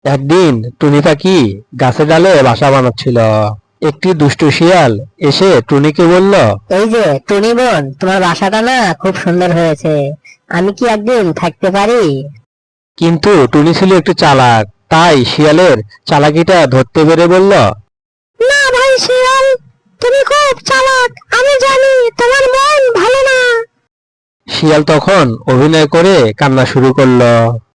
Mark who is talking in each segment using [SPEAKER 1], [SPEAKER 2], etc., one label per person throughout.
[SPEAKER 1] একদিন টুনি পাখি গাছের ডালে বাসা বানাচ্ছিল। একটি দুষ্টু শিয়াল এসে টুনিকে বলল,
[SPEAKER 2] এই যে টুনি বোন, তোমার বাসাটা না খুব সুন্দর হয়েছে, আমি কি একদিন থাকতে পারি?
[SPEAKER 1] কিন্তু টুনি ছিল একটু চালাক, তাই শিয়ালের চালাকিটা ধরতে পেরে বলল,
[SPEAKER 2] না ভাই শিয়াল, তুমি খুব চালাক, আমি জানি তোমার মন ভালো না।
[SPEAKER 1] শিয়াল তখন অভিনয় করে কান্না শুরু করলো।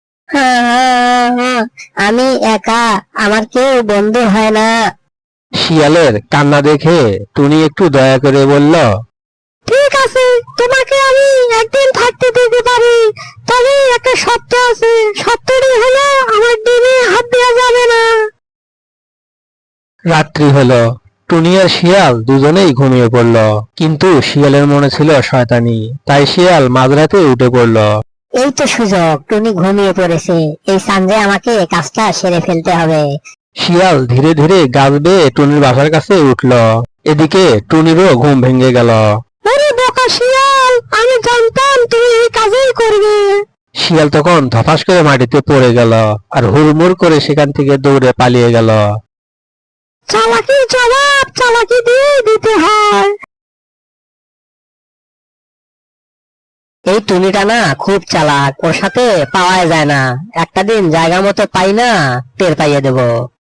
[SPEAKER 2] আমি একা, আমার কেউ বন্ধু হয় না।
[SPEAKER 1] শিয়ালের কান্না দেখে টুনি একটু দয়া করে বলল,
[SPEAKER 2] ঠিক আছে, তোমাকে আমি একদিন থাকতে দিতে পারি, তবে একটা শর্ত আছে। শর্তটি হলো আমার ডিমে হাত দেওয়া যাবে না।
[SPEAKER 1] রাত্রি হলো। টুনি আর শিয়াল দুজনেই ঘুমিয়ে পড়ল, কিন্তু শিয়ালের মনে ছিল শয়তানি, তাই শিয়াল মাঝরাতে উঠে পড়ল।
[SPEAKER 2] এই তো সুযোগ, টুনি ঘুমিয়ে পড়েছে, এই সানজে আমাকে কাজটা সেরে ফেলতে হবে।
[SPEAKER 1] শিয়াল ধীরে ধীরে গাছ বেয়ে টুনির বাসার কাছে উঠল। এদিকে টুনিরও ঘুম ভেঙে গেল।
[SPEAKER 2] আরে বোকা শিয়াল, আমি জানতাম তুমি এই কাজই করবে।
[SPEAKER 1] শিয়াল তখন ধপাস করে মাটিতে পড়ে গেল আর হুড়মুড় করে সেখান থেকে দৌড়ে পালিয়ে গেল।
[SPEAKER 2] চালাকির জবাব চালাকি দিয়ে দিতে হয়। এই টুনিটা না খুব চালাক, ওর সাথে পাওয়া যায় না, একটা দিন জায়গা মতো পাই না, টের পাইয়ে দেবো।